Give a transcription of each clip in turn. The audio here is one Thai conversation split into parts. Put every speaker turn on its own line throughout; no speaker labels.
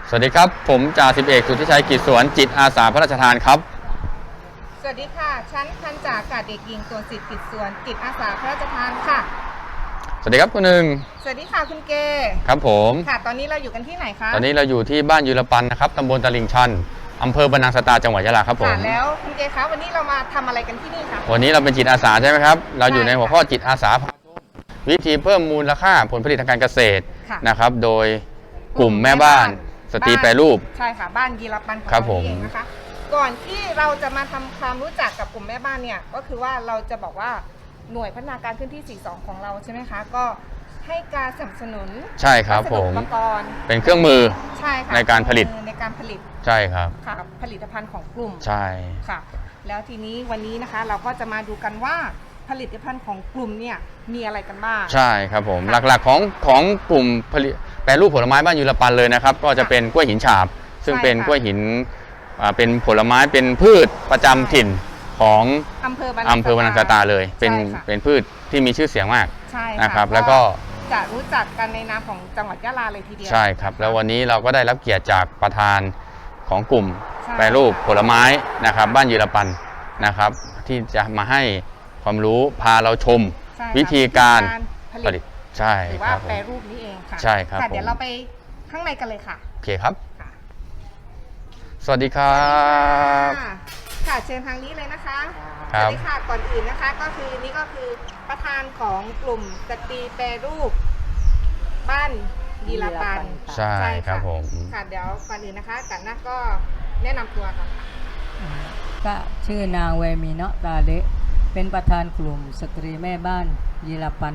สวัสดีครับผมจ่าสิบเอกสุทธิชัยกิจสวนจิตอาสาพระราชทานครับ
สวัสดีค่ะชั้นพันจ่าอากาศเอกหญิงตัวสิทธิ์กิจสวนจิตอาสาพระราชทานค่ะ
สวัสดีครับคุณหนึ่ง
สวัสดีค่ะคุณเก
ครับผม
ค่ะตอนนี้เราอยู่กันที่ไหนคะ
ตอนนี้เราอยู่ที่บ้านยูรปันนะครับตำบลตลิ่งชันอำเภอบรรนังสตาจังหวัดยะลาครับผม
แล้วคุณเกคะวันนี้เรามาทำอะไรกันที่นี่คะ
วันนี้เราเป็นจิตอาสาใช่ไหมครับเราอยู่ในหัวข้อจิตอาสาวิธีเพิ่มมูลค่าผลผลิตทางการเกษตรนะครับโดยกลุ่มแม่บ้านสตรีแปรรูป
ใช่ค่ะบ้านยีรปันของเราเองนะคะก่อนที่เราจะมาทำความรู้จักกับกลุ่มแม่บ้านเนี่ยก็คือว่าเราจะบอกว่าหน่วยพัฒนาการพื้นที่ 42 ของเราใช่ไหมคะก็ให้การสนับสนุน
ใช่ครับผม
อุปกรณ์
เป็นเครื่องมือ
ใช่ค่ะ
ในการผลิต
ใช่ครับค่ะผลิตภัณฑ์ของกลุ่ม
ใช่
ค่ะแล้วทีนี้วันนี้นะคะเราก็จะมาดูกันว่าผลิตภัณฑ์ของกลุ่มเนี่ยมีอะไรกันบ้าง
ใช่ครับผมหลักๆของกลุ่มผลิตแปรรูปผลไม้บ้านยูรปันเลยนะครับก็จะเป็นกล้วยหินฉาบซึ่งเป็นกล้วยหินเป็นผลไม้เป็นพืชประจำถิ่นของอำเภอบรรนังสตาเลยเป็นพืชที่มีชื่อเสียงมากนะครับแล้วก็
จะรู้จักกันในนามของจังหวัดยะลาเลยทีเดียว
ใช่ครับแล้ววันนี้เราก็ได้รับเกียรติจากประธานของกลุ่มแปรรูปผลไม้นะครับบ้านยูรปันนะครับที่จะมาให้ความรู้พาเราชมวิธีการผลิตใช่
หรือว่าแปรรูปนี้เองค่ะ
ใช่ครับ
เดี๋ยวเราไปข้างในกันเลยค่ะ
โอเคครับสวัสดีครับ
ค่ะเชิญทางนี้เลยนะคะสวัสดีค่ะก่อนอื่นนะคะก็คือนี่ก็คือประธานของกลุ่มสตรีแปรรูปบ้านยีรปัน
ใช่ครับผม
ค่ะเดี๋ยวก่อนอื่นนะคะกันนะก็แนะนำตัวก่อน
ก็ชื่อนางเวมีเนาะตาเดะเป็นประธานกลุ่มสตรีแม่บ้านยีรปัน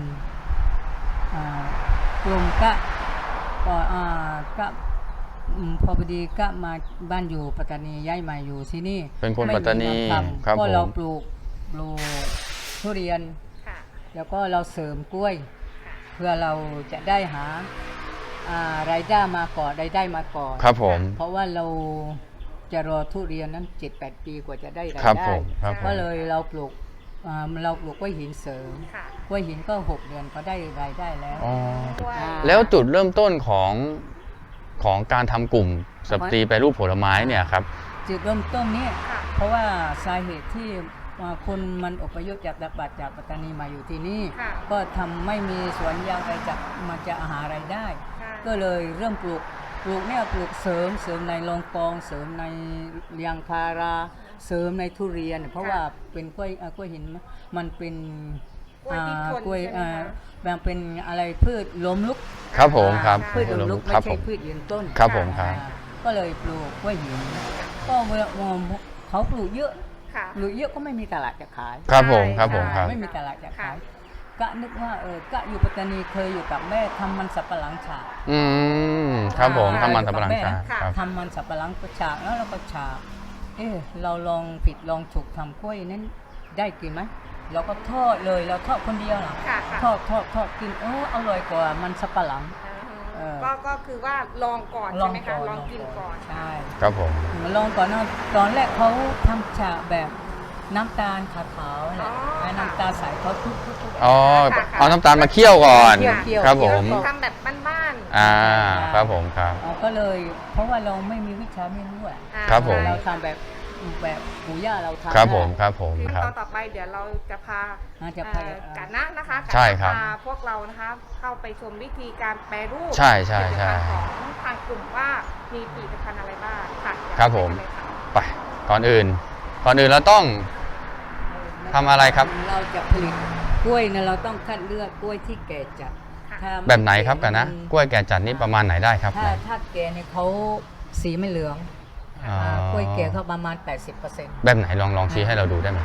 กลุ่มก็พอดีก็มาบ้านอยู่ปัตตานีย้ายมาอยู่ที่นี่
เป็นคนปัตตานี
ครับก็เราปลูกทุเรียนแล้วก็เราเสริมกล้วยเพื่อเราจะได้หารายได้มาก่อนมาก่อน
ครับผม
เพราะว่าเราจะรอทุเรียนนั้น 7-8 ปีกว่าจะได้รายได้ก็เลยเราปลูกกล้วยหินเสริมกล้วยหินก็6 เดือนก็ได้รายได้แล้ว
แล้วจุดเริ่มต้นของการทำกลุ่มสตรีแปรรูปผลไม้เนี่ยครับ
จุดเริ่มต้นเนี่ยเพราะว่าสาเหตุที่คนมันอพยพจากปัตตานีมาอยู่ที่นี่ก็ทำไม่มีสวนยางไรจากมันจะหารายได้ก็เลยเริ่มปลูกเนี่ยปลูกเสริมในลองกองเสริมในยางพาราเสริมในทุเรียนเพราะว่าเป็นกล้วยหินมันเป็นกล้วยแบบเป็นอะไรพืชล้มลุก
ครับผมครับ
พืชล้มลุกไม่ใช่พืชยืนต้น
ครับผมครับ
ก็เลยปลูกกล้วยหินก็เขาปลูกเยอะก็ไม่มีตลาดจะขาย
ครับผมครับ
ไม่มีตลาดจะขายก็นึกว่าก็อยู่ปัตตานีเคยอยู่กับแม่ทำมันสับปะหลังฉาก
ครับผมทำมันสับปะหลังฉาก
ทำมันสับปะหลังฉากแล้วเราก็ฉากเราลองผิดลองถูกทำกล้วยนั้นได้กินไหมเราก็ทอดเลยเราทอดคนเดียวนะทอดกินอร่อยกว่ามันสับปะหลัง
ก็คือว่าลองก่อนใช่ไหมคะลองกินก่อน
ใช่
ครับผม
ลองก่อนตอนแรกเขาทำฉากแบบน้ำตาลขาวๆเนี่ยน้ำตาลใสเขาทุบ
เอาน้ำตาลมาเคี่ยวก่อนครับผม
ทำแบบบ้าน
ๆครับผมครับ
ก็เลยเพราะว่าเราไม่มีวิชาไม่รู้
ครับผม
เราทำแบบปู่ย่าเราทำ
ครับผมครับ
ต่อไปเดี๋ยวเราจะพากันนะคะ
ใช่ครับ
พาพวกเรานะคะเข้าไปชมวิธีการแปรรูป
ใช่
ของทางกลุ่มว่ามีผลิตภัณฑ์อะไรบ้างค่ะ
ครับผมไปก่อนอื่นเราต้องทำอะไรครับ
เราจะผลิตกล้วยนะเราต้องคัดเลือกกล้วยที่แก่จัด
แบบไหนครับกันนะกล้วยแก่จัดนี่ประมาณไหนได้ครับ
ถ้าแก่เนี่ยเขาสีไม่เหลืองกล้วยแก่เขาประมาณ 80%
แบบไหนลองชี้ให้เราดูได้ไหม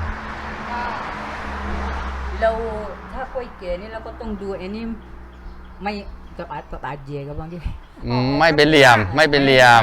เราถ้ากล้วยแก่นี่เราก็ต้องดูไอ้นี่ไม่กระปาดเย่กับบางที
ไม่เป็นเหลี่ยมไม่เป็นเหลี่ยม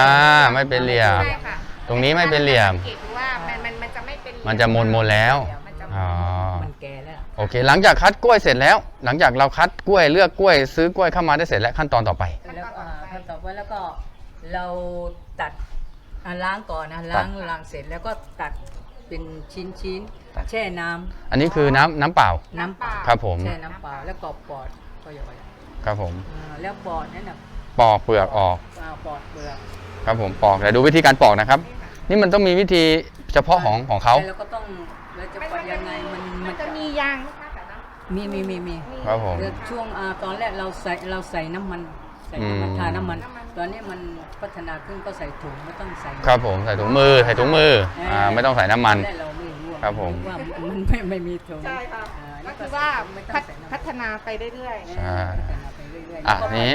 ตรงนี้ไม่เป็นเหลี่ยม
ว่ามันจะไม่เป็น
มันจะมนแล้ว
มันแก่แล้ว
โอเคหลังจากคัดกล้วยเสร็จแล้วหลังจากเราคัดกล้วยเลือกกล้วยซื้อกล้วยเข้ามาได้เสร็จแล้วขั้นตอนต่อไป
แล้วก็เราตัดล้างก่อนนะล้างเสร็จแล้วก็ตัดเป็นชิ้นแช่น้ำ
อันนี้คือน้ำเปล่า
ครับ
ผม
แช่น้ำเปล่าแล้วก็ปอดก็ย่อย
ครับผม
แล้วปอดนั้น
ปอกเปลือกออก
ปอกเปลือก
ครับผมปอกแต่ดูวิธีการปอกนะครับ นี่มันต้องมีวิธีเฉพาะของเขา
แล้วก็ต้องเราจะปอกยังไงมัน
จะมียางนะคะแต่นะ
มี
ครับผม
เดี๋ยวช่วงตอนแรกเราใส่น้ำมันใส่น้ำมันทาน้ำมัน ตอนนี้มันพัฒนาขึ้นก็ใส่ถุงไม่ต้องใส่
ครับผมใส่ถุงมือไม่ต้องใส่น้ำมัน
ตอแรกเราไม่รู้อะ
ครับผม
ว่ามันไม่มีถุง
ใช่ค่ะ
นี่
ก็คือว่า
ไม่ต้องใส่น้ำมัน
พัฒนาไปเรื่อย
ใช่
พัฒนาไปเรื่อยๆ
อ่ะ
แล้วก็
นี้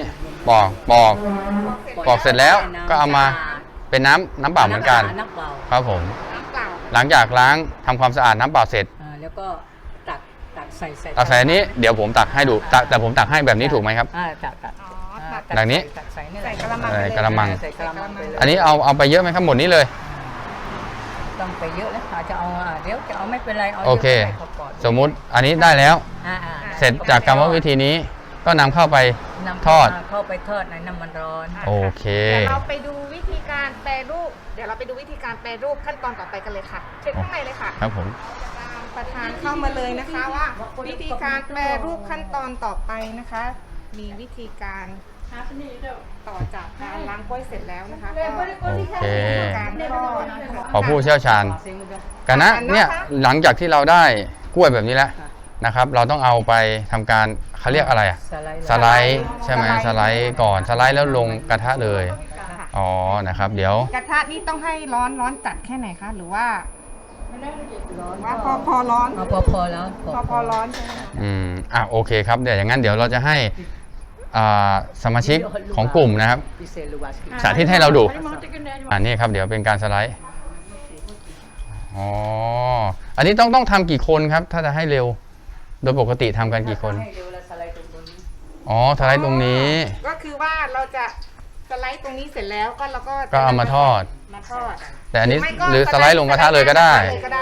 ปอกเสร็จแล้วก็เอามาเป็นน้ำเปล่าเหมือนกัน
น้ำเปล่า
ครับผม
น้ำเปล่า
หลังจากล้างทำความสะอาดน้ำเปล่าเสร็จ
แล้วก็ตักใส่
ตักใส่อันนี้เดี๋ยวผมตักให้ดูแต่ผมตักให้แบบนี้ถูกไหมครับ
ตัก
อ๋อ
ตั
ตั
ก
ก
แบบนี้
ตักใส่นี่แห
ใส่
ละ
กระมัง
กระมัง
ใส่กระมังไปเลย
อันนี้เอาไปเยอะไหมครับหมดนี้เลย
ต้องไปเยอะแล้วอาจจะเอาเดี๋ยวจะเอาไม่เป็นไรเอา
โอเค
ยะไปก่อน
สมมุติอันนี้ได้แล้ว เสร็จจากกรรมวิธีนี้ก็นำเข้าไป
นำ
ทอด
เข้าไปทอดในน้ำมันร้อน
โอเค
เดี๋ยวเราไปดูวิธีการแปรรูป เดี๋ยวเราไปดูวิธีการแปรรูปขั้นตอนต่อไปกันเลยค่ะเชิญข้างในเลยค่ะ
ครับผม
ตามประธานเข้ามาเลยนะคะว่า วิธีการแปรรูปขั้นตอนต่อไปนะคะ มีวิธีการต่อจากการล้างกล้วยเสร็จแล้วนะคะก็
โอเค
การทอด
ขอผู้เชี่ยวชาญกันนะเนี่ยหลังจากที่เราได้กล้วยแบบนี้แล้วนะครับ เราต้องเอาไปทำการเขาเรียกอะไรอะ สไลด์ใช่ไหมสไลด์ก่อนสไลด์แล้วลงกระทะเลย
ค่ะ
อ๋อนะครับ เดี๋ยว
กระทะนี่ต้องให้ร้อนจัดแค่ไหนคะหรือว่าว่าพอร้อน
พอแล้ว
พอร้อนใช่ไหมคะ
โอเคครับเดี๋ยวอย่างนั้นเดี๋ยวเราจะให้สมาชิกของกลุ่มนะครับ สาธิตให้เราดูนี่ครับเดี๋ยวเป็นการสไลด์อ๋ออันนี้ต้องทำกี่คนครับ ถ้าจะให้เร็วโดยปกติทำกันกี่คนอ๋อสไลด์ตรงนี้
ก็คือว่าเราจะสไลด์ตรงนี้เสร็จแล้วก็เราก็
ก็เอามาทอด
มาทอด
แต่อันนี้
ไม่ก็
หรือสไลด์ลงกระทะเลยก็ได้
เลยก็ได้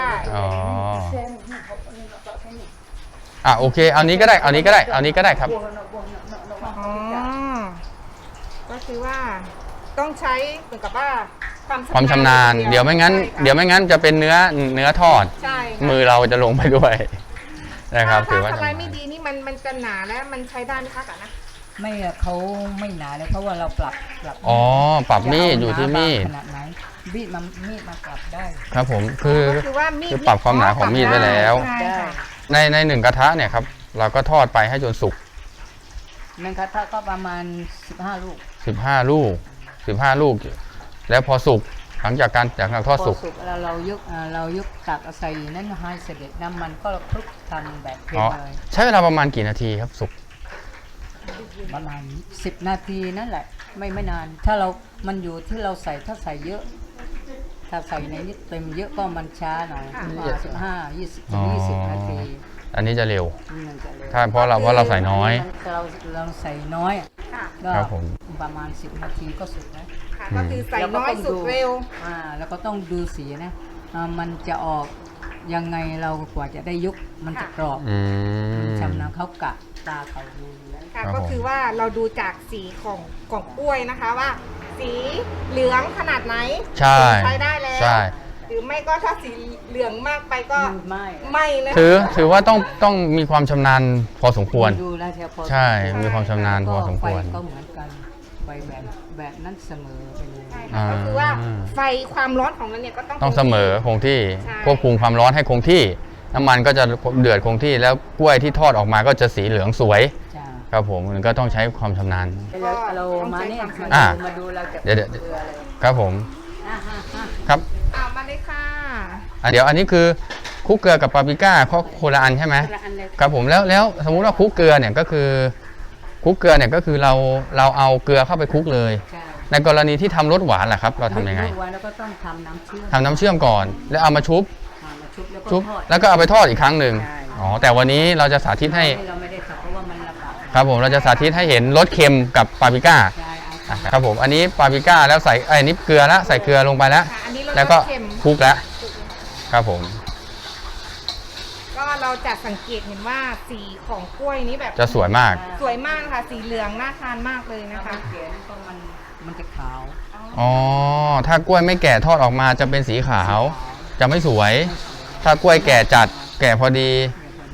อ๋อโอเคเอานี้ก็ได้เอานี้ก็ได้เอานี้ก็ได้ครับ
อ๋อก็คือว่าต้องใช้เหมือนกับว่า
ความชำนาญเดี๋ยวไม่งั้น
ใช่ค่ะ
เดี๋ยวไม่งั้นจะเป็นเนื้อทอด
ใช่ค่ะ
มือเราจะลงไปด้วยนะครับถื
ถ้า
อว่า
สไลด์ไม่ดีนี่มันจะหนาและมันใช้ได้ไหมคะกันนะ
ไม่อะเขาไม่หนาเลยเพราะว่าเราปรับ
อ๋อปรับมีดอยู่ที่มีด
ขนาดไหนมีดมาปรับได้
ครับผมคือ
ก็คือว่ามีด
คือปรับความหนาของมีดไว้แล้ว
ใช่ค่ะ
ในหนึ่งกระทะเนี่ยครับเราก็ทอดไปให้จนสุก
หนึ่งกระทะก็ประมาณ15 ลูก
15 ลูก15 ลูก แล้วพอสุกหลังจากการทอด
พอ
สุก
สุกแล้วเรายกตักเอาใส่นั่นให้เสด็จน้ำมันก็คลุกทำแบบเป็น
อ๋อ
เลย
ใช้เวลาประมาณกี่นาทีครับสุก
ประมาณ10 นาทีนั่นแหละไม่นาน ถ้ามันอยู่ที่เราใส่ถ้าใส่เยอะ ถ้าใส่ในนี้เต็มเยอะก็มันช้าหน่อย15-20 นาที
อันนี้จะเร็ว
มันจะเร็ว
ถ้าเพราะเราใส่น้อย
เราใส่น้อยอะ
ค่ะ
ก็
ครับผม
ประมาณ10 นาทีก็สุกแล้ว
ค่ะก็คือใส่น้อยสุดเร็ว
แล้วก็ต้องดูสีนะมันจะออกยังไงเรากว่าจะได้ยุกมันจะกรอบ
อืม
ชำนาญเขากะตาเขาดูอยู่แล้ว
ค่ะ
ครับ
ก็คือว่าเราดูจากสีของกล้วยนะคะว่า สีเหลืองขนาดไหน
ใช่
ใช้ได้แล้ว
ใช่
หรือไม่ก็ถ้าสีเหลืองมากไปก็
ไม่
ไม่นะ
ถือว่าต้องมีความชำนาญพอสมควร
ดูแลวพอ
ใช่ มีความชำนาญพอสมควร
ไฟก็เหมือนกันไฟแบบนั้นเสมอไปเลย
ใช่ค่ะก็คือว่าไฟความร้อนของมันเนี่ยก็ต้อง
ต้องเสมอคงที่
ใช่
ควบคุมความร้อนให้คงที่ น้ำมันก็จะเดือดคงที่แล้วกล้วยที่ทอดออกมาก็จะสีเหลืองสวย
จ้า
ครับผมมันก็ต้องใช้ความชำนาญ
เรามาเนี่ย
อ่ะ
มาดูเราจะ
เดี๋ยว
เกลืออะไร
ครับผม
อ่ะ
ครับ
เอามาเลยค่ะ
เดี๋ยวอันนี้คือคลุกเกลือกับปาปริก้าข้อโคนละอันใช่ไหม
คนละอันเลย
ครับผมแล้วสมมุติว่าคลุกเกลือเนี่ยก็คือคลุกเกลือเนี่ยก็คือเราเอาเกลือเข้าไปคลุกเลย
ใช่
ในกรณีที่ทำรสหวานล่ะครับ เราทำยังไง
ลวกไว้แล้วก็ต้องทำน้ำเชื่อม
ทำน้ำเชื่อมก่อน แล้วเอามาชุบ
มาชุบแล้วก็
ชุบ
ทอด
แล้วก็เอาไปทอดอีกครั้งหนึ่ง
ใช่
อ๋อแต่วันนี้เราจะสาธิตให้
เราไม่ได้ทำเพราะว่ามันลำบาก
ครับผมเราจะสาธิตให้เห็นรสเค็มกับปาปริก้า
ใช่เอา
อ่ะครับผมอันนี้ปาปริก้าแล้วใส่อันนี้เกลือแล้วใส่เกลือลงไปแล้ว
ค่ะอันนี้รส
แล้วก็
เค็ม
คลุกแล้วครับผม
ก็เราจะสังเกตเห็นว่าสีของกล้วยนี้แบบ
จะสวยมาก
สวยมากค่ะ สีเหลืองน่าทานมากเลยนะ
ถ้า
คะ
มันเขียนก็มันจะขาว
อ๋อถ้ากล้วยไม่แก่ทอดออกมาจะเป็นสีขาว จะไม่สวย ถ้ากล้วยแก่จัดแก่พอดี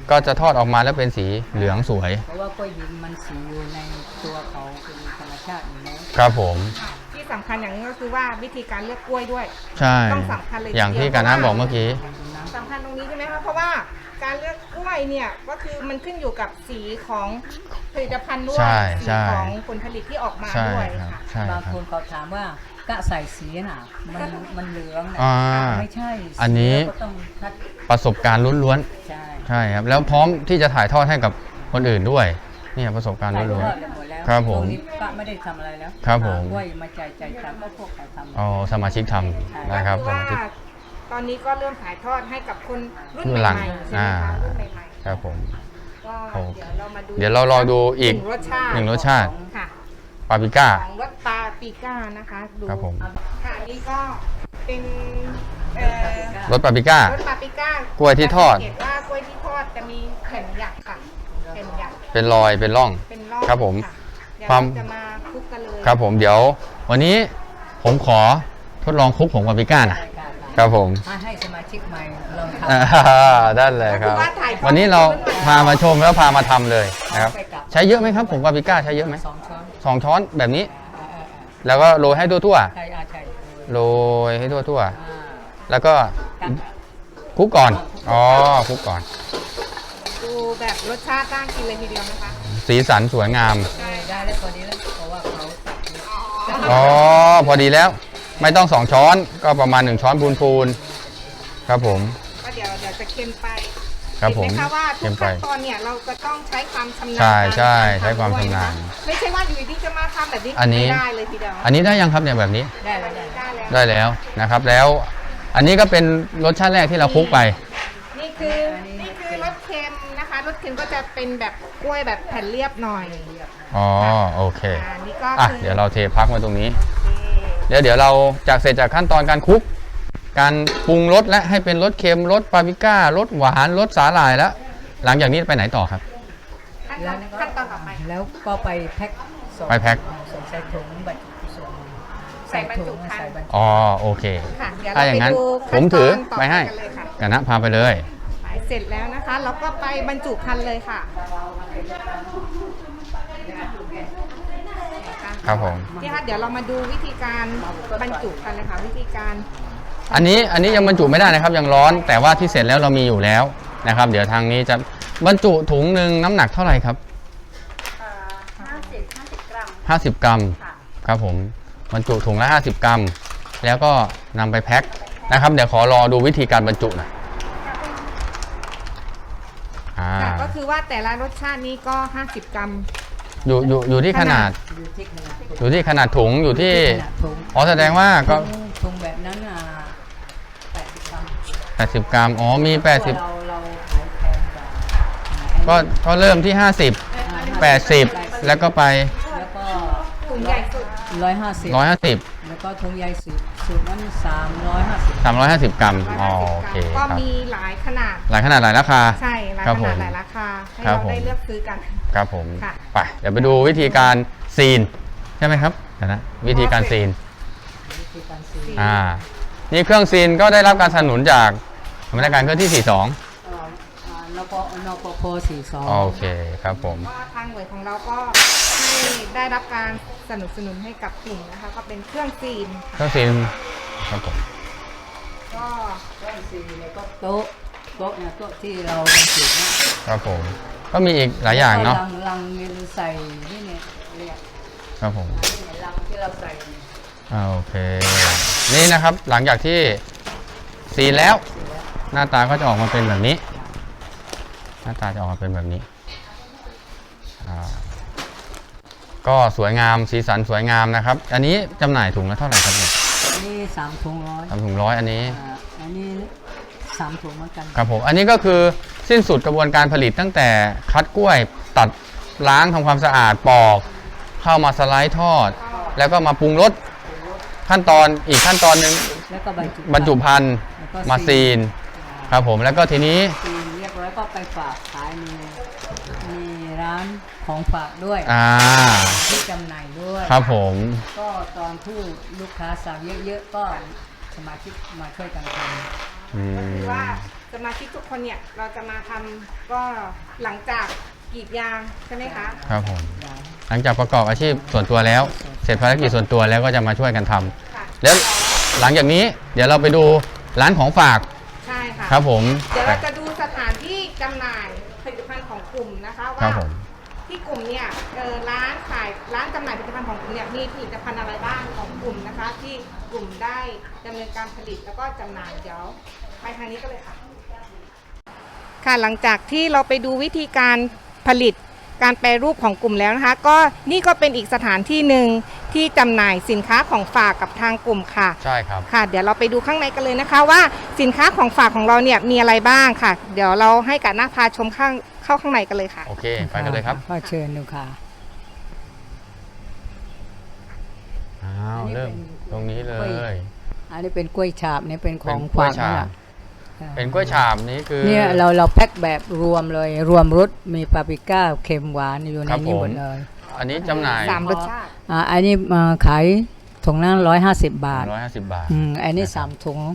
ก็จะทอดออกมาแล้วเป็นสีเหลืองสวย
เพราะว่ากล้วยหินมันสีอยู่ในตัวเขาเป็นธรรมชาติอยู่แล้ว
ครับผม
ที่สำคัญอย่างนี้ก็คือว่าวิธีการเลือกกล้วยด้วย
ใช่
ต้องสำคัญเลย
อย่างที่การน้าบอกเมื่อกี้
สำคัญตรงนี้ใช่ไหมคะเพราะว่าการเลือกกล้วยเนี่ยก็คือมันขึ้นอยู่กับสีของผลิตภัณฑ์ด้วย
ใช่
สี
ใช่
ของผลผลิตที่ออกมา
ใช่
ด้วย
ครับ
ค่ะ
ใช่
บาง
ครั
ค
บ
นเขาถามว่ากะใส่สีน่ะมันเหลืองนะ
อ่า
ไม่ใช่
อันนี้
ก็ต้องคัด
ประสบการณ์ล้วน
ใช่
ๆใช่ครับแล้วพร้อมที่จะถ่ายทอดให้กับคนอื่นด้วยเนี่ยประสบการณ์
ถ่ายท
ล้วน
อดกันหมดแล้ว
ครับผม
ช่วงนี้กะไม่ได้ทำอะไรแล้ว
ครับผม
กล้วยมาใจตามก็พวกเขาทำ
ๆอ๋อสมาชิกทำนะครับ
ก็
ส
คือ
มาชิก
ว่าตอนนี้ก็เริ่มถ่ายทอดให้กับคนรุ่น
รุ่น
ให
หลั
ม่
ง
ๆใช่ไหมคะ
อ่า
รุ่นใหม่ๆ
ครับผม
ก็
โอ้
เดี๋ยวเรามาดู
เดี๋ยวเรารอดูอีก
หนึ่งรสชาติ
หนึ่งรสชาติ
ค่ะ
ปาปริก้า
ของรสปาปริก้านะคะดู
ครับผม
ค่ะอันนี้ก็เป็น
รสปาปริก้าร
สปาปริก้าก
ล้วยที่ทอด
สังเกตว่ากล้วยที่ทอดจะมีแผ่นหยักค่ะแผ่นหยัก
เป็นรอยเป็นร่อง
เป็นร่อง
ครับผม
ะเดี๋ยว
ความ
เราจะมาคลุกกันเลย
ครับผมเดี๋ยววันนี้ผมขอทดลองคลุกผงปาปริก้านะ
รายการ
ครับผม
ให้สมาชิกใหม่ลองท
ได้เลยครับ
ก็อว่าถ่ายทอด
วันนี้เรา
ให้
พามาชมแล้วพามาทำเลย
ำ
นะครับ
ไปกลับ
ใช้เยอะไหมครับผงปาปริก้าใช้เยอะไหม
2 ช้อน
2 ช้อนแบบนี้
อ่า
แล้วก็โรยให้ทั่ว
ใช่ใช่
ๆโรยให้ทั่ว
อ่า
ๆแล้วก็
กัน
คลุกก่อนอ๋อคลุกก่อน
ดูแบบรสชาติน่ากินเลยทีเดียวนะคะ
สีสันสวยงาม
ได้แล้วพอดีแล้วเพราะว่าเขาตัดเยอะ
อ๋อพอดีแล้วไม่ต้อง2 ช้อนก็ประมาณ1 ช้อนพูนๆครับผม
ก็เดี๋ยวจะเค็มไป
ครับผม
เห็นไหมคะว่าทุ
เค็
ก
มไป
ขั้นตอนเนี่ยเราจะต้องใช้ความชำนาญ
ใช่ใช่
กร
ใช้ความชำนาญ
ทำด้วยะคะไม่ใช่ว่าอยู่ดีๆจะมาทำแบบนี้
อันนี้
ไม่ได้เลยทีเดียว
อันนี้ได้ยังครับเนี่ยแบบนี้
ได้แล้วได้
ได้แล้ว
ได้แล้วนะครับแล้วอันนี้ก็เป็นรสชาติแรกที่เราคลุกไป
นี่คือรสเค็มนะคะรสเค็มก็จะเป็นแบบกล้วยแบบแผ่นเรียบหน่อย
อ๋อโอเค
อันนี้ก็
อ่ะ
คือ
เดี๋ยวเราเทพักมาตรงนี้
โอเค
เดี๋ยวเราจากเสร็จจากขั้นตอนการคลุก การปรุงรสและให้เป็นรสเค็มรสปาปริก้ารสหวานรสสาหร่ายแล้ว หลังจากนี้ไปไหนต่อครับ
ขั้นตอนต่อไป
แล้วก็ไปแพ็คส่ง
ไปแพ็ค
ส่งใส่ถุงบรรจุส่ง
ใส่บรรจุภัณฑ์
ใส่บรรจุ
อ๋อโอเค
ค่ะเดี๋ยว
ถ้า
เรา
อย่าง
ไป
นั้น
ดู
ผ
ขั้
ม
นต
ถือ
อนต่อ
ไป
ไป
ให้
กันเลยค่ะ
กันนะพาไปเลย
เสร็จแล้วนะคะเราก็ไปบรรจุภัณฑ์เลยค่ะ
ครับผม
นี่ค่ะเดี๋ยวเรามาดูวิธีการบรรจุกันเลยค่ะวิธีการ
อันนี้ยังบรรจุไม่ได้นะครับยังร้อน แต่ว่าที่เสร็จแล้วเรามีอยู่แล้วนะครับ เดี๋ยวทางนี้จะบรรจุถุงหนึ่งน้ำหนักเท่าไหร่ครับ
50 กรัม
50 กรัม
ค่ะ
ครับผมบรรจุถุงละ50 กรัม แล้วก็นำไปแพ็คนะครับ เดี๋ยวขอรอดูวิธีการบรรจุหน่อยอ่า
ค่ะก็คือว่าแต่ละรสชาตินี้ก็ 50 กรัม
อยู่ที่ขนาด
อยู่ที่ขนาด
อยู่ที่ขนาดถุงอยู่ที่
ขนาดถุง
อ๋อแสดงว่าก็
ถุงแบบนั้น80 กรัม
80 กรัมอ๋อมี
เราขายแพงกว่า
80ก็เริ่มที่ 50 80 แล้วก็ไป
แล้วก็
ถุงใหญ่สุด
150
แล้วก็ถุงใหญ่สุดนั้น350
350 กรัมอ๋อโอเค
ก็
ครับ
มีหลายขนาด
หลายขนาดหลายราคา
ใช่หลาย
ครับ
ข
ผ
นาด
ม
หลายราคาให้
ครับ
เรา
ผม
ได้เลือกซื้อกัน
ครับผม
ค่ะ
ไปเดี๋ยวไปดูวิธีการซีนใช่ไหมครับเดี๋ยวนะวิธีการซีน
วิธีการซี
นี่เครื่องซีนก็ได้รับการสนับสนุนจากสำนักงานเครื่องที่ 42
นปพ42
โอเคครับผม
ก็ทางหน่วยของเราก็ให้ได้รับการสนับสนุนให้กับกลุ่มนะคะก็เป็นเครื่องซีน
เครื่องซีนครับผม
ก็
แล้วก็โต๊ะเนี่ยโต๊ะที่เราบรรจุเนี่ย
ครับผมก็มีอีกหลายอย่างเนาะ
ลังมีใส่นี่เนี่ยเรียก
ครับผม
นี่เนี่ยลังที่เราใส่เนี่ย
โอเค นี่นะครับหลังจากที่ซีนแล้ว หน้าตาก็จะออกมาเป็นแบบนี้ หน้าตาจะออกมาเป็นแบบนี้ก็สวยงามสีสันสวยงามนะครับ อันนี้จำหน่ายถุงละเท่าไหร่ครับเนี่ย
อันนี้3 ถุงร้อย
ทำถุงร้อยอันนี้
อันนี้3 ถุงเหมือนกัน
ครับผมอันนี้ก็คือสิ้นสุดกระบวนการผลิตตั้งแต่คัดกล้วยตัดล้างทำความสะอาดปอก เข้ามาสไลด์ทอด แล้วก็มาปรุงรสขั้นตอนอีกขั้นตอนหนึ่ง
แล้วก็
บรรจุภัณฑ์
แล้วก็
มาซีนครับผมแล้วก็ทีนี้
ซีนเรียบร้อยก็ไปฝากขายมีร้านของฝากด้วย ที่จำหน่ายด้วย
ครับผม
ก็ตอนที่ลูกค้าสั่งเยอะๆก็สมาชิกมาช่วยกันทำ
อื
ก็คือ
ม
ว่าสมาชิกทุกคนเนี่ยเราจะมาทำก็หลังจากกรีดยางใช่ไหมคะ
ครับผมหลังจากประกอบอาชีพส่วนตัวแล้ว เสร็จภารกิจส่วนตัวแล้วก็จะมาช่วยกันทำ
ค่ะ
แล้วหลังจากนี้เดี๋ยวเราไปดูร้านของฝาก
ใช่ค่ะ
ครับผม
เดี๋ยวเราจะดูสถานที่จำหน่ายผลิตภัณฑ์ของกลุ่มนะคะ
ครั
ว่า
บผม
ที่กลุ่มเนี่ยร้านขายร้านจำหน่ายผลิตภัณฑ์ของกลุ่มเนี่ยมีผลิตภัณฑ์อะไรบ้างของกลุ่มนะคะ ที่กลุ่มได้ดำเนินการผลิตแล้วก็จำหน่ายเดี๋ยวไปทางนี้ก็เลยค่ะ ค่ะหลังจากที่เราไปดูวิธีการผลิตการแปรรูปของกลุ่มแล้วนะคะ ก็นี่ก็เป็นอีกสถานที่หนึ่งที่จำหน่ายสินค้าของฝากกับทางกลุ่มค่ะ
ใช่ครับ
ค่ะ เดี๋ยวเราไปดูข้างในกันเลยนะคะ ว่าสินค้าของฝากของเราเนี่ยมีอะไรบ้างค่ะ เดี๋ยวเราให้กับหน้าพาชมเข้าข้างในกันเลยค่ะ
โอเคไปกันเลยครับ
ก็เชิญดูค่ะ
อ้าวเริ่มตรงนี้เลย
อันนี้เป็นกล้วยฉาบนี่เป็นของ
เป็นกล้วย
ฝากนี่
ฉา
แห
บ
ละ
เป็นกล้วยฉาบนี้คือ
เนี่ยเราแพ็คแบบรวมเลยรวมรสมีปาปริก้าเค็มหวานอยู่ใน
ครับ
นี้หม
ผม
ดเลย
อันนี้จำหน่าย
สามรสชาติ
อันนี้ขายถุงละ150 บาท
150 บาท
อันนี้
นะครับ
3 ถุง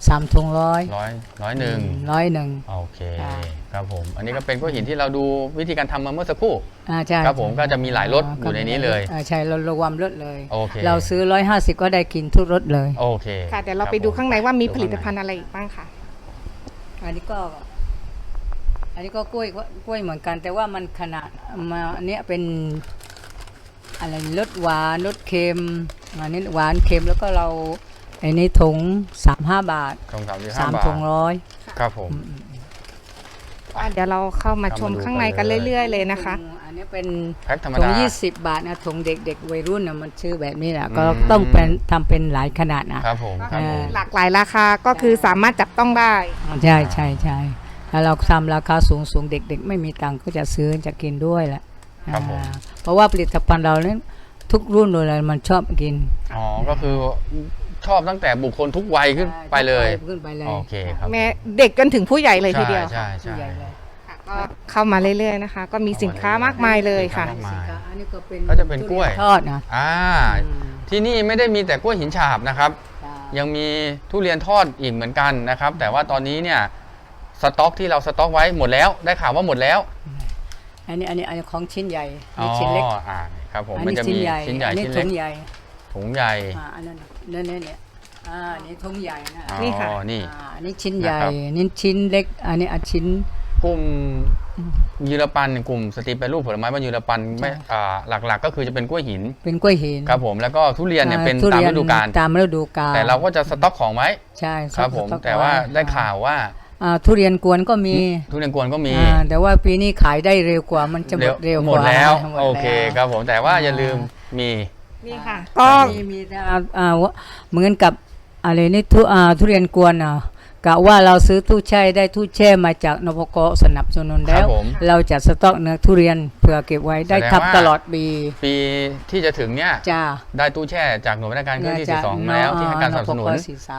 100
ร้อยหนึ่ง
101
โอเค
ค่ะ
ครับผม อันนี้ก็เป็นกล้วยหินที่เราดูวิธีการทำมาเมื่อสักครู่
ใช่
ครับผมก็จะมีหลายรสอยู่ในนี้เลย
ใช่เรารวมรสเลย
โอเค
เราซื้อ150ก็ได้กินทุกรสเลย
โอเค
ค่ะ เดี๋ยวเราไปดูข้างในว่ามีผลิตภัณฑ์อะไรอีกบ้างค่ะ
อันนี้ก็กล้วยเหมือนกัน แต่ว่ามันขนาดมาอันเนี้ยเป็นอะไรรสหวานรสเค็มอันนี้หวานเค็มแล้วก็เราอันนี้ถุง35 บาท
ตรง35
3
บาท
ถุงร้อย
ครับผม
เดี๋ยวเราเข้ามาชมข้างในกันเรื่อยๆเลยนะคะ
อันนี้เป็น
แพ็คธรรม
ถุ
ดาง
20 บาทนะถุงเด็กๆวัยรุ่นนะมันชื่อแบบนี้แหละก็
อืม
ต้องเป็นทำเป็นหลายขนาดนะครับ
ผมครับผม
หลากหลายราคาก็คือสามารถจับต้องได้
ใช่ใช่ใช่แล้วเราทำราคาสูงเด็กๆ ไม่มีตังค์ก็จะซื้อจะกินด้วยแหละ
ครับผม
เพราะว่าผลิตภัณฑ์เราเนี่ยทุกรุ่นเลยมันชอบกิน
อ๋อ ก็คือชอบตั้งแต่บุคคลทุกวัยขึ้นไปเลย
ขึ้นไปเลย
โอเคครับ
แม้เด็กจนถึงผู้ใหญ่เลยทีเดียว
ใช่
ผู้
ใช่
ใหญ่เลย
ค่ะก็เข้ามาเรื่อยๆนะคะ ก็มีสินค้ามากมายเลยค่ะ
สินค้ามากมาย
สินค้าอันนี้ก็เป็น
ก็จะเป็นกล้วย
ทุรีนทอดนะ
อ่า
อืม
ที่นี่ไม่ได้มีแต่กล้วยหินฉาบนะครับ
จ้า
ยังมีทุเรียนทอดอีกเหมือนกันนะครับ แต่ว่าตอนนี้เนี่ยสต็อกที่เราสต็อกไว้หมดแล้ว ได้ข่าวว่าหมดแล้ว
อันนี้ของชิ้นใหญ่อันนี้ชิ้นเล็ก
อ่าครับผม
อัน
มัน
นี้
จะ
ชิ้
มี
นใหญ่
ชิ้นใหญ่
อันนี้
ชิ้น
ถุ
เล็ก
งใหญ่
ถุงใหญ่
อันนั้นเนี่ยอันนี้ถุงใหญ่นะ
อ๋อ
นี่ค่ะ
นี่
อันนี้ชิ้นใหญ่
นะครับ
นี่ชิ้นเล็กอันนี้ชิ้น
กลุ่มยูรปันกลุ่มสตรีแปรรูปผลไม้บ้านยูรปันไม่หลักๆ ก็คือจะเป็นกล้วยหิน
เป็นกล้วยหิน
ครับผมแล้วก็ทุเรียนเนี่ยเป็น
ทุ
ตาม
เยน
ฤดูกาล
ตามฤดูกาล
แต่เราก็จะสต็อกของไว้
ใช่
ครับผม
สอก
แต่ว่า
ไ
ได้ข่าวว่า
ทุเรียนกวนก็มี
ทุเรียนกวนก็มี
แต่ว่าปีนี้ขายได้เร็วกว่ามันจะหมดเร็ว
หม
ก
ด
ว่า
แล้ว
หมด
โอเคครับผมแต่ว่าอย่าลืมมี
นี่ค่ะ
ก็
ก็
มีแต่เหมือนกับอะไรนี่ทุเรียนกวนกะว่าเราซื้อตู้แช่ได้ตู้แช่มาจากนพกสนับสนุน
ค
แล้
รับ
ว
ผม
เราจะสต็อกเนื้อทุเรียนเผื่อเก็บไว้ได้
แสดง
ทับ
ว่า
ตลอดปี
ปีที่จะถึงเนี่ย
จ้า
ได้ตู้แช่จากหน่วยราชการเครื่องที่ 42 มาแล้วที่ให้การสนับสนุน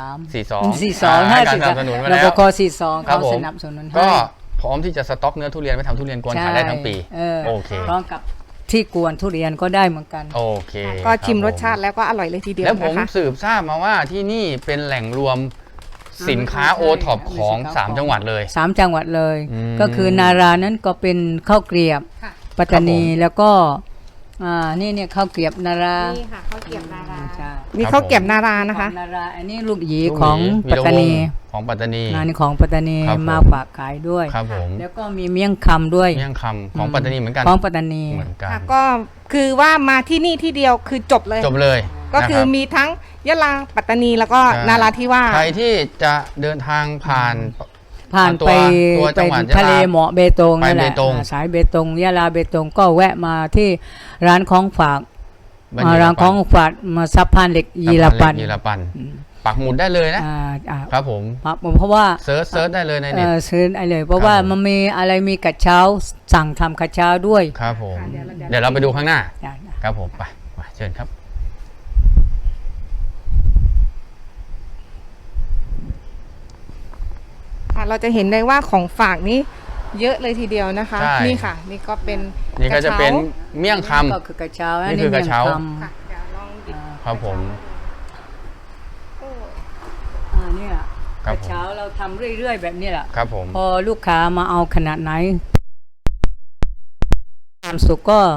42
ให้การสนับสนุนมา
น
แล้ว
พก42
ครับ
เขา
ผม
สนับสนุนให้
ก็พร้อมที่จะสต็อกเนื้อทุเรียนไว้ทำทุเรียนกวนขายได้ทั้งปี โอเค
พร้อมกับที่กวนทุเรียนก็ได้เหมือนกัน
โอเค
ก็ชิม
ค
ร
บ
สชาติแล้วก็อร่อยเลยทีเดียว
แล้วผม
นะคะ
สืบทราบมาว่าที่นี่เป็นแหล่งรวมสินค้า
ใช่
โอท็อปของ
มีสินค้า
3 จังหวัดเลย
3 จังหวัดเลย
อืม
ก็คือนารานั้นก็เป็นข้าวเกรียบ
ค่ะ
ปัตตานี
ครับผม
แล้วก็นี่เนี่ยข้าวเกรียบนารา
นี่ค่ะข้าวเกรียบนารา
ใช่
นี่ข้าวเกรียบนารานะคะ
ของนาราอันนี้ลูกหยี
ลูก
ของ
หมี
ปัตตานี
วีรวงศ์ของปัตตานี
งานนี้ของปัตตานี
ครับผม
มาฝากขายด้วย
ครับผม
แล้วก็มีเมี่ยงคำด้วย
เมี่ยงคำของปัตตานีเหมือนกัน
ของปัตตานี
เหมือนกัน
ค่ะก็คือว่ามาที่นี่ที่เดียวคือจบเลย
จบเลย
ก็คือ
นะรับ
มีทั้งยะลาปัตตานีแล้วก็
ใช่
นาราธิวาส
ใครที่จะเดินทางผ่าน
ผ่าน
ตัว
ไป
ตัวจั
ไป
งหวัด
ทะเลย
ะลา
เหมาะเบตง
ไป
นั่นแหละ
เบตง
สายเบตงยะลาเบตงก็แวะมาที่ร้านของฝาก
บ้านยี
ร้าน
ปั
ของฝากมาซับพานเหล็กยีรปัน
ยีรปันปักหมุดได้เลยนะ ครับผม
เพราะว่า
เซิร์ชได้เลยในเน็ต
ซื้อได้เลย เพราะว่า
ครับผม
มันมีอะไรมีกระเช้าสั่งทำกระเช้าด้วย
ครับผม
ค่ะเดี๋ยวเรา
เดี๋ยวเราไปดูข้างหน้า
ได้
ครับผมไปเชิญครับ
ค่ะเราจะเห็นได้ว่าของฝากนี้เยอะเลยทีเดียวนะคะ
ใช่
นี่ค่ะ นี่ก็เป็น
นี่ก็จะเป็น
ร
เมี่ยงค
ก็คือกระเช้า
นี่คือกระเช้า
มี่ยง
ค่ะเดี๋ยวลองดิบ
ำครับผม
โอ้
เนี่ย
กครับ
เช้าเราทำเรื่อยๆแบบนี้แหละ
ครับผม
พอลูกค้ามาเอาขนาดไหนความสุกก็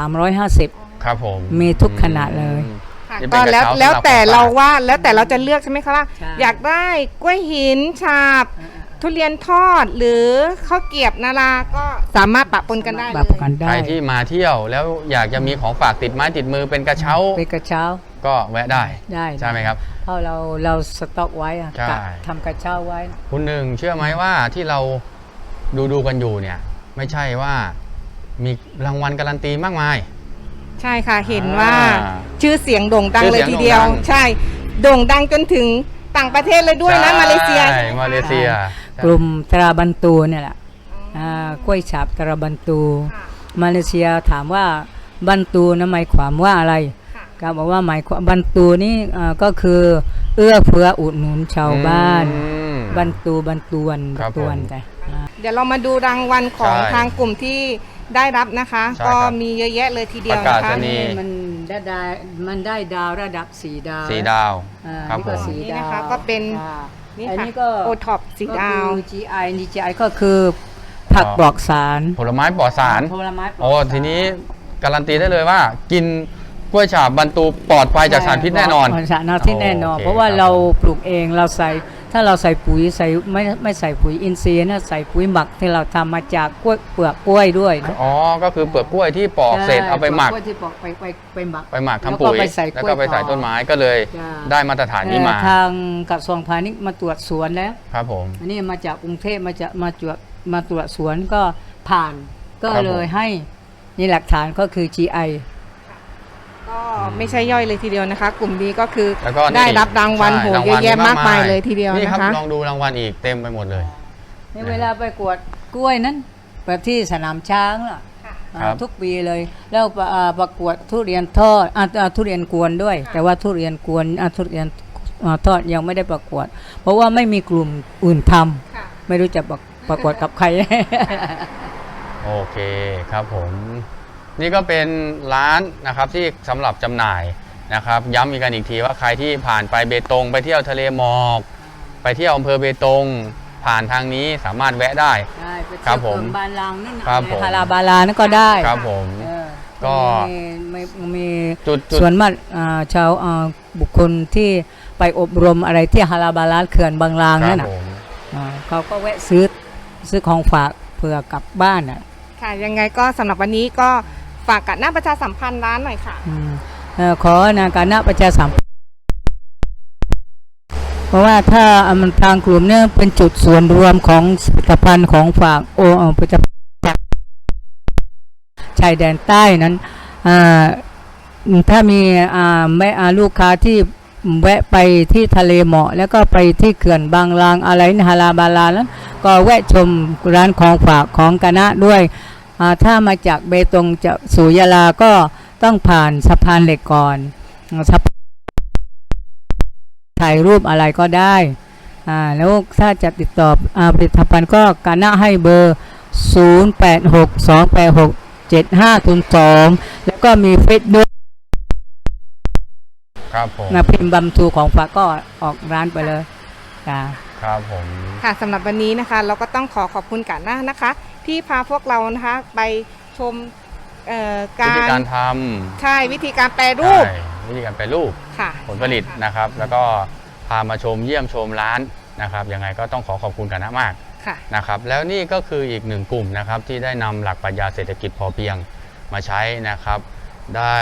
350
ครับผม
มีทุกขนาดเลย
ค่ะ
นี่
ก็
เป็นกระเช้า
แล้วแต่
สำหรับ
เรา
ของฝาก
ว่าแล้วแต่เราจะเลือกใช่ไหมคะว่า
ใช่
อยากได้กล้วยหินฉาบ ทุเรียนทอดหรือข้าวเกรียบนาราก็สามารถปะปนกันได้เล
ปรับ
ย
กันได้
ใครที่มาเที่ยวแล้วอยากจะมีของฝากติดไม้ติดมือเป็นกระเช้า
เป็นกระเช้า
ก็แวะได้
ได้
ใช่ไหมครับ
เพราะเราสต็อกไว้อะ
ใช่
กะทำกระเช้าไว้
คุณหนึ่งเชื่อไหมว่าที่เราดูกันอยู่เนี่ย ไม่ใช่ว่ามีรางวัลการันตีมากมาย
ใช่ค่ะเห็นว่า
อ่า
ชื่อเสียงโด่งดัง
ชื่อ
เล
เสี
ย
ยง
ทีเดียว
โด่งดัง
ใช่โด่งดังจนถึงต่างประเทศเลยด้วยนะ
ใช่
มาเลเซีย
มาเลเซีย
กลุ่มตราบันตูเนี่ยแหละกล้วยฉาบตราบันตู
ค่ะ
มาเลเซียถามว่าบันตูนะหมายความว่าอะไร
ค่ะ
ก็บอกว่าหมายความบันตูนี่ก็คือเอื้อเฟื้ออุดหนุนชาวบ้าน
อืม
บันตูบันตวน
ครับ
ตวน
ผม
แต่
เดี๋ยวเรามาดูรางวัลของ
ใช่
ทางกลุ่มที่ได้รับนะคะ
ใช่
ก็
ครับ
มีเยอะแยะเลยทีเดียว
ประกา
นะ
ศ
คะ
นี
มันได้ดาวระดับ4 ดาว
สีดาว ครับ
นี่ก็
ผม
4
นี่
ดา
นะคะ
ว
ก็เป็น
อ่า
นี่
อัน
ค่ะ
นี้ก็
โอท็อปสีดาว
ก็คือ GI นี่ GI ก็คือผักปลอกสาร
ผลไม้ปลอดสาร
ผลไม้ปลอด
โอ้
สาร
ทีนี้การันตีได้เลยว่า กินกล้วยฉาบบันตูปลอดภัยจากสารพิษแน่นอน
สารพิษแน่นอน
โอเค
เพราะว่า
ครับ
เราปลูกเองเราใส่ถ้าเราใส่ปุ๋ยใส่ไม่ใส่ปุ๋ยอินทรีย์นะใส่ปุ๋ยหมักที่เราทำมาจากกล้วยเปลือกกล้วยด้วยนะ
อ๋อ ก็คือเปลือกกล้วยที่ปอกเสร็จเอาไปหมัก
กล้วยที่ปอกไปหมัก
ไปหมักทำปุ๋ย แล้วก็ไปใส่ต้นไม้ก็เลย
จ้า
ได้มาตรฐานนี้มา
ทางกระทรวงพาณิชย์มาตรวจสวนแล้ว
ครับผม
อันนี้มาจากกรุงเทพมาตรวจสวนก็ผ่านก็
ครับผม
เลยให้นี่หลักฐานก็คือ GI
ก็ไม่ใช่ย่อยเลยทีเดียวนะคะ กลุ่มนี้ก็คือ
แล้วก็นี่
ได้รับรางวัล
ใช่
โห
ราง
เย
วั
อะ
ล
แยะมากมายเลยทีเดียว
นี่
นะครับ คะ
ลองดูรางวัลอีกเต็มไปหมดเลย
ในเวลาไปกวดกล้วยนั้นแบบที่สนามช้างล่ะ
ครับ
ทุกปีเลย แล้วประกวดทุเรียนทอดทุเรียนกวนด้วย แต่ว่าทุเรียนกวนทุเรียนทอดยังไม่ได้ประกวด เพราะว่าไม่มีกลุ่มอื่นทำ
ค่ะ
ไม่รู้จะประกวดกับใคร
โอเคครับผม นี่ก็เป็นร้านนะครับที่สำหรับจำหน่ายนะครับ ย้ำอีกกันอีกทีว่าใครที่ผ่านไปเบตงไปเที่ยวทะเลหมอก ไปเที่ยวอำเภอเบตง ผ่านทางนี้สามารถแวะได้
ได้ไป
ครั
เที่ยว
บผม
เมืองบาลางนั่นน่ะ
ครับผม
ฮาราบาลานั่นก็ได้
ครับผม
เออ
ก็
มี
จุด
ส่วนมากชาวบุคคลที่ไปอบรมอะไรที่ฮาราบาลาเขื่อนบางลาง
ครั
นั่
บ
นน่ะ
ผม
เขาก็แวะซื้อของฝากเผื่อกลับบ้านน่ะ
ค่ะยังไงก็สำหรับวันนี้ก็ฝากกับหน้าประชาสัมพันธ์ร้านหน่อยค่ะ
ขอนาการณประชาสัมพันธ์เพราะว่าถ้ามันทางกลุ่มเนี่ยเป็นจุดส่วนรวมของผลิตภัณฑ์ของฝากผลิตภัณฑ์จากชายแดนใต้นั้นถ้ามีลูกค้าที่แวะไปที่ทะเลหมอกแล้วก็ไปที่เขื่อนบางลางอะไรฮาราบาลาแล้วก็แวะชมร้านของฝากของกะนะด้วยถ้ามาจากเบตงจะสู่ยะลาก็ต้องผ่านสะพานเหล็กก่อนถ่ายรูปอะไรก็ได้แล้วถ้าจะติดต่อผลิตภัณฑ์ก็กะนะให้เบอร์ 0862867502 แล้วก็มีเฟซบุ๊ก
ครับผม
พิมพ์บัมทูของฝากก็ออกร้านไปเลยจ้า
ครับผม
ค่ะสำหรับวันนี้นะคะเราก็ต้องขอบคุณกันหน้านะคะ ที่พาพวกเรานะคะไปชม
วิธี
การ
การท
ใช่วิธีการแปร
ำ
รูป
ใช่วิธีการแปรรูป
ค่ะ
ผลผลิตนะครับ แล้วก็พามาชมเยี่ยมชมร้านนะครับยังไงก็ต้องขอบคุณกันนะมาก
ค่ะ
นะครับแล้วนี่ก็คืออีกหนึ่งกลุ่มนะครับที่ได้นำหลักปรัชญาเศรษฐกิจพอเพียงมาใช้นะครับได้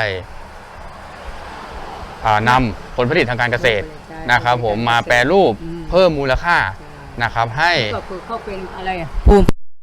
นำผลผลิตทางการเกษตรนะครับผมมาแปรรูปเพิ่มมูลค่านะครับให้
ก็คือเขาเป็นอะไรภูมิ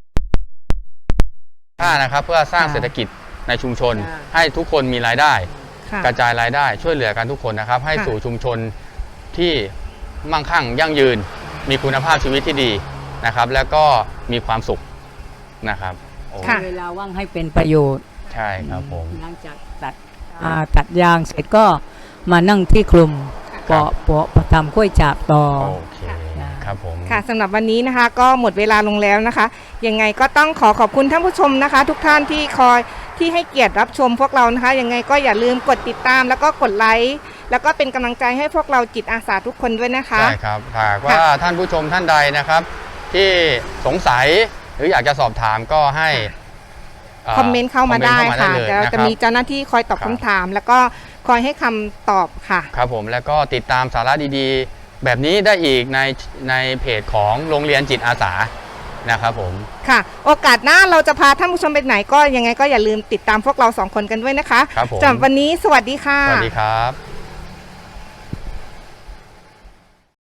ค่านะครับเพื่อสร้างเศรษฐกิจในชุมชน
ค่ะ
ให้ทุกคนมีรายได้
ค่ะ
กระจายรายได้ช่วยเหลือกันทุกคนนะครับให้
ค่ะ
สู่ชุมชนที่มั่งคั่งยั่งยืน มีคุณภาพชีวิตที่ดีนะครับแล้วก็มีความสุขนะครับโอ้
ค่ะ
เวลาว่างให้เป็นประโยชน์
ใช่ครับผม
หลังจากตัดยางเสร็จก็มานั่งที่กลุ่ม
ครับ
เปาะทำกล้วยฉาบต่อ
โอเคครับผม
ค่ะสำหรับวันนี้นะคะก็หมดเวลาลงแล้วนะคะยังไงก็ต้องขอบคุณท่านผู้ชมนะคะ ทุกท่านที่ที่ให้เกียรติรับชมพวกเรานะคะยังไงก็อย่าลืมกดติดตามแล้วก็กดไลค์แล้วก็เป็นกำลังใจให้พวกเราจิตอาสาทุกคนด้วยนะคะ
ใช่ครับหากว่าท่านผู้ชมท่านใดนะครับ ที่สงสัยหรืออยากจะสอบถามก็ให้
คอมเมนต์เข้ามาได้ค่ะ
เลย
เดี๋ยว
นะค
จะ
รับ
มีเจ้าหน้าที่คอยตอบ
ครับ
คำถาม แล้วก็คอยให้คำตอบค่ะ
ครับผมแล้วก็ติดตามสาระดีๆ แบบนี้ได้อีกในเพจของโรงเรียนจิตอาสานะครับผม
ค่ะ โอกาสหน้าเราจะพาท่านผู้ชมไปไหนก็ยังไงก็อย่าลืมติดตามพวกเรา2 คนกันด้วยนะคะ
ครับผม
สำหรับวันนี้สวัสดีค่ะ
สวัสดีครับ